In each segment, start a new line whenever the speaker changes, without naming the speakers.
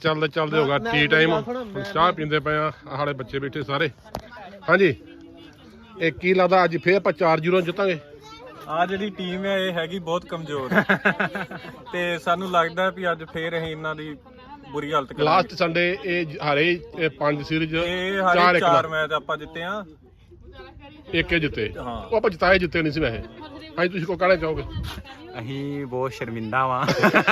ਚੱਲਦੇ ਚੱਲਦੇ ਹੋਗਾ ਟੀ ਟਾਈਮ। ਚਾਹ ਪੀਂਦੇ ਪਏ ਆ, ਸਾਡੇ ਬੱਚੇ ਬੈਠੇ ਸਾਰੇ। ਹਾਂਜੀ, ਇਹ ਕੀ ਲੱਗਦਾ ਅੱਜ ਫੇਰ ਆਪਾਂ 4-0 ਜਿੱਤਾਂਗੇ?
ਆ ਜਿਹੜੀ ਟੀਮ ਹੈ ਇਹ ਹੈਗੀ ਬਹੁਤ ਕਮਜ਼ੋਰ ਤੇ ਸਾਨੂੰ ਲੱਗਦਾ ਵੀ ਅੱਜ ਫੇਰ ਅਸੀਂ ਇਹਨਾਂ ਦੀ ਬੁਰੀ ਹਾਲਤ ਕਰਾਂਗੇ।
ਲਾਸਟ ਸੰਡੇ ਇਹ ਹਾਰੇ 5 ਸੀਰੀਜ਼,
ਇਹ ਹਾਰੇ 4 ਮੈਚ ਆਪਾਂ ਜਿੱਤੇ ਆ,
ਇੱਕ ਜਿੱਤੇ।
ਹਾਂ।
ਉਹ ਆਪਾਂ ਜਿੱਤੇ ਨਹੀਂ ਸੀ ਵੈਸੇ। ਹਾਂਜੀ, ਤੁਸੀਂ ਕੋ ਕਹਿਣਾ ਚਾਹੋਗੇ?
ਅਸੀਂ ਬਹੁਤ ਸ਼ਰਮਿੰਦਾ ਵਾਂ।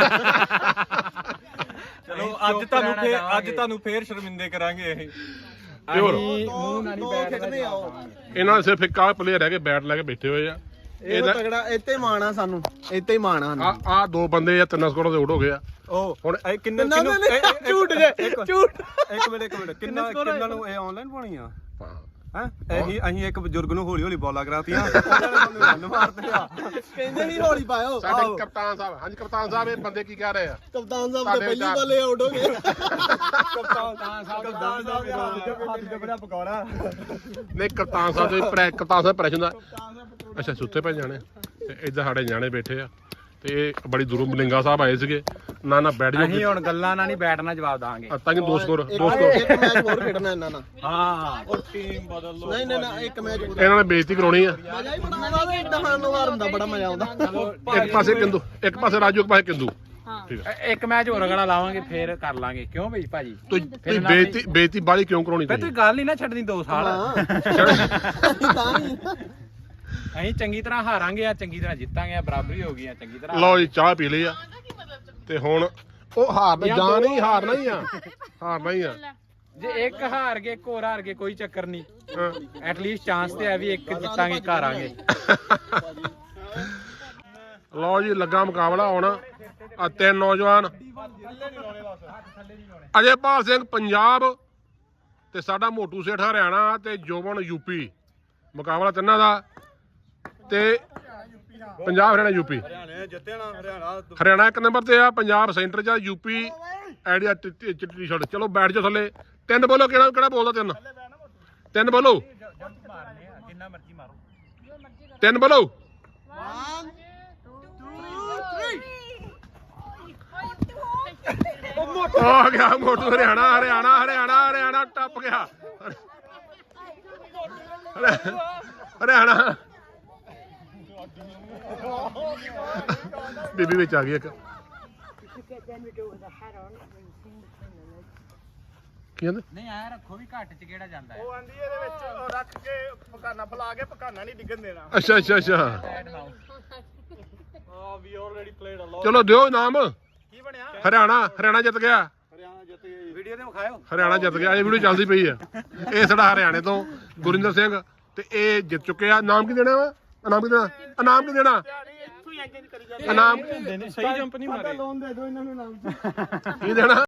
ਚਲੋ ਅੱਜ ਤੁਹਾਨੂੰ ਫੇਰ ਸ਼ਰਮਿੰਦੇ ਕਰਾਂਗੇ ਅਸੀਂ।
ਮੂੰਹ ਨਾਲ ਨਹੀਂ ਬੈਠਦੇ ਆ।
ਇਹਨਾਂ ਦੇ ਸਿਰਫ ਇੱਕ ਆਹ ਪਲੇਅਰ ਹੈਗੇ ਬੈਟ ਲੈ ਕੇ ਬੈਠੇ ਹੋਏ ਆ।
ਇਹ ਤਗੜਾ ਇੱਥੇ ਮਾਣ ਆ ਸਾਨੂੰ, ਇੱਥੇ ਹੀ ਮਾਣ ਆ।
ਆ 2 ਬੰਦੇ ਆ 3 ਸਕੋਰ ਦੇ ਆਊਟ ਹੋ ਗਏ ਆ।
ਉਹ
ਹੁਣ
ਕਿੰਨੇ
ਝੂਠ ਜੇ ਝੂਠ।
ਇੱਕ ਮਿੰਟ ਕਿੰਨਾ ਨੂੰ ਇਹ ਆਨਲਾਈਨ ਪਾਣੀ ਆ ਅਸੀਂ ਇੱਕ ਬਜ਼ੁਰਗ ਨੂੰ ਹੌਲੀ ਹੌਲੀ ਬੋਲਾ ਕਰਾਤੀਆਂ, ਉਹਨਾਂ ਨੇ ਮਾਰਦੇ ਆ।
ਕਹਿੰਦੇ ਨਹੀਂ ਹੌਲੀ ਪਾਇਓ।
ਸਾਡੇ ਕਪਤਾਨ ਸਾਹਿਬ, ਹਾਂਜੀ ਕਪਤਾਨ ਸਾਹਿਬ, ਇਹ ਬੰਦੇ ਕੀ ਕਹਿ ਰਹੇ ਆ?
ਕਪਤਾਨ ਸਾਹਿਬ ਦੇ ਪਹਿਲੀ ਬਾਲੇ ਆਊਟ ਹੋ ਗਏ।
ਕਪਤਾਨ ਸਾਹਿਬ ਬੜਾ ਪਕੌੜਾ।
ਨਹੀਂ, ਕਪਤਾਨ ਸਾਹਿਬ ਦੇ ਕਪਤਾਨ ਸਾਹਿਬ ਪ੍ਰੈਸ਼ਨ ਦਾ। ਅੱਛਾ, ਸੁੱਤੇ ਪਏ ਜਾਣੇ ਤੇ ਇੱਧਰ ਸਾਡੇ ਨਿਆਣੇ ਬੈਠੇ ਆ ਤੇ ਇਹ ਬੜੀ ਦੂਰੋਂ ਮਲਿੰਗਾ ਸਾਹਿਬ ਆਏ ਸੀਗੇ। ਨਾ ਬੈਠ ਜਾਓ,
ਅਸੀਂ ਹੁਣ ਗੱਲਾਂ ਨਾਲ ਨਹੀਂ ਬੈਠਣਾ, ਜਵਾਬ ਦਾਂਗੇ।
ਤਾਂ ਕਿ 2 ਸਕੋਰ
ਇੱਕ ਮੈਚ ਹੋਰ ਖੇਡਣਾ ਇਹਨਾਂ ਨਾਲ।
ਹਾਂ,
ਉਹ ਟੀਮ ਬਦਲ ਲਓ।
ਨਹੀਂ ਇੱਕ ਮੈਚ ਹੋਰ।
ਇਹਨਾਂ ਨੇ ਬੇਇੱਜ਼ਤੀ ਕਰਾਉਣੀ ਆ।
ਮਜ਼ਾ ਹੀ ਬੜਾ ਆਉਂਦਾ, ਦਹਾਨ ਨੂੰ ਮਾਰਨ ਦਾ ਬੜਾ ਮਜ਼ਾ ਆਉਂਦਾ।
ਇੱਕ ਪਾਸੇ ਕਿੰਦੂ, ਇੱਕ ਪਾਸੇ ਰਾਜੂ, ਇੱਕ ਪਾਸੇ ਕਿੰਦੂ। ਠੀਕ ਆ,
ਇੱਕ ਮੈਚ ਹੋਰ ਅਗਲਾ ਲਾਵਾਂਗੇ ਫੇਰ ਕਰ ਲਾਂਗੇ। ਕਿਉਂ ਬਈ ਭਾਜੀ?
ਤੁਸੀਂ ਬੇਇੱਜ਼ਤੀ ਬਾਲੀ ਕਿਉਂ ਕਰਾਉਣੀ?
ਤੁਸੀਂ ਗੱਲ ਨਹੀਂ ਨਾ ਛੱਡਣੀ 2 ਸਾਲ।
ਤਾਂ ਹੀ
ਅਸੀਂ ਚੰਗੀ ਤਰ੍ਹਾਂ ਹਾਰਾਂਗੇ ਆ, ਚੰਗੀ ਤਰ੍ਹਾਂ ਜਿੱਤਾਂਗੇ, ਬਰਾਬਰੀ ਹੋ ਗਈ ਆ ਚੰਗੀ ਤਰ੍ਹਾਂ।
ਲਓ ਜੀ, ਚਾਹ ਪੀ ਲਈ ਆ ਤੇ ਹੁਣ ਉਹ ਹਾਰਨਾ ਹੀ ਆ।
ਜੇ ਇੱਕ ਹਾਰ ਗਏ, ਇੱਕ ਹੋਰ ਹਾਰ ਗਏ, ਕੋਈ ਚੱਕਰ ਨਹੀਂ। ਐਟਲੀਸਟ ਚਾਂਸ ਤੇ ਹੈ ਵੀ ਇੱਕ ਜਿੱਤਾਂਗੇ, ਹਾਰਾਂਗੇ।
ਲਓ ਜੀ, ਲੱਗਾ ਮੁਕਾਬਲਾ ਹੁਣ। ਆ 3 ਨੌਜਵਾਨ, ਅਜੇਪਾਲ ਸਿੰਘ ਪੰਜਾਬ ਤੇ ਸਾਡਾ ਮੋਟੂ ਸੇਠ ਹਰਿਆਣਾ ਤੇ ਜੋਬਨ ਯੂਪੀ। ਮੁਕਾਬਲਾ ਤਿੰਨਾਂ ਦਾ ਤੇ ਪੰਜਾਬ ਹਰਿਆਣਾ ਯੂਪੀ। ਹਰਿਆਣਾ 1 ਨੰਬਰ ਤੇ ਆ, ਪੰਜਾਬ ਸੈਂਟਰ 'ਚ ਆ, ਯੂਪੀ ਆਈਡੀਆ ਚਿੱਟੀ ਸ਼ਰਟ। ਚਲੋ ਬੈਠ ਜਾਓ ਥੱਲੇ। 3 ਬੋਲੋ, ਕਿਹੜਾ ਬੋਲਦਾ? 3 ਬੋਲੋ, 3 ਬੋਲੋ।
1 2 3
ਆ ਗਿਆ ਮੋਟੂ ਹਰਿਆਣਾ ਟੱਪ ਗਿਆ। ਹਰਿਆਣਾ ਬੀਬੀ ਵਿੱਚ ਆ ਗਈ ਇੱਕ। ਕੀ ਕਹਿੰਦੇ?
ਨਹੀਂ ਆਇਆ ਰੱਖੋ ਵੀ ਘੱਟ ਚ ਕਿਹੜਾ ਜਾਂਦਾ ਹੈ।
ਉਹ ਆਂਦੀ ਇਹਦੇ ਵਿੱਚ ਰੱਖ ਕੇ ਪਕਾਨਾ ਫਲਾ ਕੇ ਪਕਾਨਾ ਨਹੀਂ ਡਿੱਗਣ ਦੇਣਾ।
ਅੱਛਾ
ਵੀ ਆਲਰੇਡੀ ਪਲੇਡ ਅ
ਚਲੋ ਦਿਓ ਇਨਾਮ।
ਕੀ ਬਣਿਆ?
ਹਰਿਆਣਾ ਜਿੱਤ ਗਿਆ।
ਹਰਿਆਣਾ ਜਿੱਤ ਗਈ। ਵੀਡੀਓ ਤੇ ਵਿਖਾਇਓ।
ਹਰਿਆਣਾ ਜਿੱਤ ਗਿਆ। ਇਹ ਵੀਡੀਓ ਚੱਲਦੀ ਪਈ ਆ। ਇਹ ਸਾਡਾ ਹਰਿਆਣੇ ਤੋਂ ਗੁਰਿੰਦਰ ਸਿੰਘ ਤੇ ਇਹ ਜਿੱਤ ਚੁੱਕੇ ਆ। ਨਾਮ ਕੀ ਦੇਣਾ ਵਾ? ਇਨਾਮ ਕੀ ਦੇਣਾ? ਇਨਾਮ
ਸਹੀ ਜੰਪ ਨਹੀਂ ਮਾਰੇ।
ਲੋਨ ਦੇ ਦਿਓ ਇਹਨਾਂ ਨੂੰ ਨਾਮ।
ਕੀ ਦੇਣਾ?